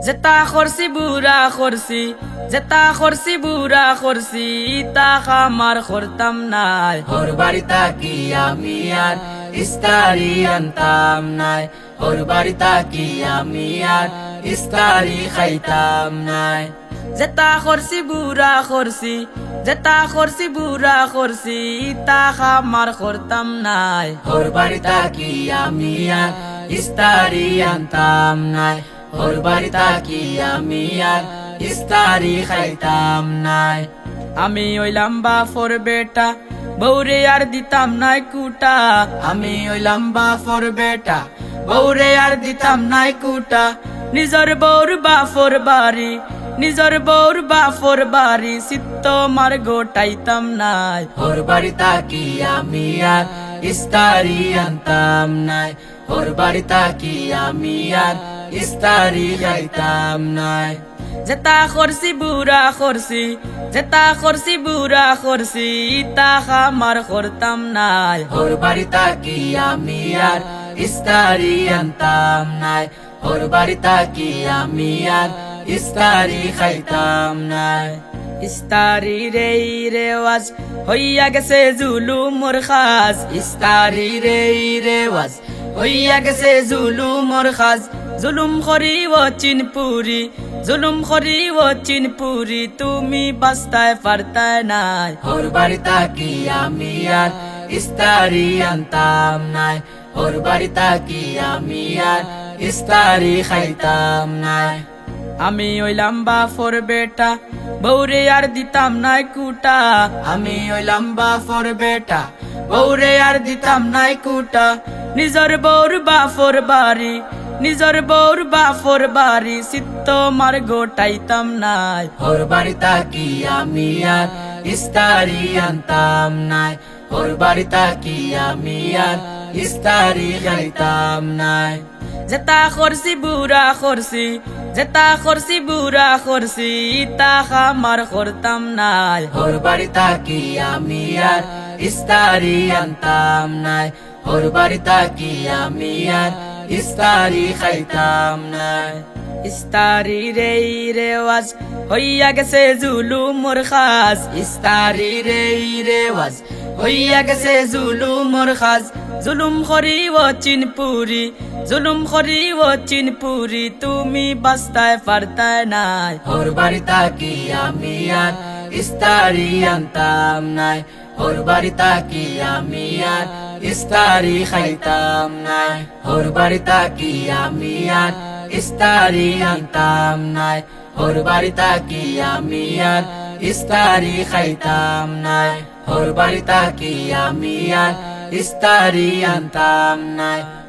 যেতা করছি বুড়া করছি, যেতা করছি বুড়া করছি, তা খামার করতাম নাই। ওর বাড়ি তাকি আমি আর ইস্তারি আনতাম নাই, ওর বাড়ি তাকি আমি আর ইস্তারি খাইতাম নাই। যেতা করছি বুড়া করছি, যেতা করছি বুড়া করছি, তা খামার করতাম নাই। ওর বাড়ি তাকি আমি আর ইস্তারি আনতাম নাই, ওর বাড়ি তাকি আমি আর ইস্তারি খাইতাম নাই। আমি হইলাম বাফর বেটা, বৌরে আর দিতাম নাই কুটা। আমি হইলাম বাফর বেটা, বৌরে আর দিতাম নাই কুটা। নিজর বৌর বাফর বাড়ি, নিজর বৌর বাফর বাড়ি, সিত্ত মার গোটাইতাম নাই। ওর বাড়ি তাকি আমি আর ইস্তারি আনতাম নাই, ওর বাড়ি তাকি আমি আর ইস্তারি খাইতাম নাই। যেতা করছি বুড়া করছি, যেতা করছি বুড়া করছি, তা খামার করতাম নাই। ওর বাড়ি তাকি আমি আর ইস্তারি আনতাম নাই, ওর বাড়ি তাকি আমি আর ইস্তারি খাইতাম নাই। ইস্তারি রে রেওয়াজ হইয়া গেছে জুলুমর খাস, ইস্তারি রে রেওয়াজ হইয়া গেছে জুলুমর খাস। জুলুম করি ও চিনপুরি, জুলুম করি ও চিনপুরি, তুমি বাস্তায় পারতায় নাই। ওর বাড়ি তাকি আমি আর ইস্তারি আনতাম নাই, ওর বাড়ি তাকি আমি আর ইস্তারি খাইতাম নাই। আমি হইলাম বাফর বেটা, বৌরে আর দিতাম নাই কুটা। আমি হইলাম বাফর বেটা, বৌরে আর দিতাম নাই কুটা। নিজর বৌর বাফর বাড়ি, নিজর বৌর বাফর বাড়ি, সিত্ত মার গোটাইতাম নাই। ওর বাড়ি তাকি আমি আর ইস্তারি আনতাম নাই, ওর বাড়ি তাকি আমি আর ইস্তারি খাইতাম নাই। যেতা করছি বুড়া করছি, যেতা করছি বুড়া করছি, তা খামার করতাম নাই। ওর বাড়ি তাকি আমি আর ইস্তারি আনতাম নাই, ওর বাড়ি তাকি আমি আর ইস্তারি খাইতাম নাই। ইস্তারি রে রেওয়াজ হইয়া গেছে জুলুমর খাস, ইস্তারি রে রেওয়াজ হইয়া গেছে জুলুমর খাস। জুলুম করি ও চিনপুরি, জুলুম করি ও চিনপুরি, তুমি বাস্তায় পারতায় নাই। ওর বাড়ি তাকি আমি আর ইস্তারি আনতাম নাই, ওর বাড়ি তাকি আমি আর ইস্তারি খাইতাম নাই। ওর বাড়ি তাকি আমি আর ইস্তারি আনতাম নাই, ওর বাড়ি তাকি আমি আর ইস্তারি খাইতাম নাই। ওর বাড়ি তাকি আমি আর ইস্তারি আনতাম নাই।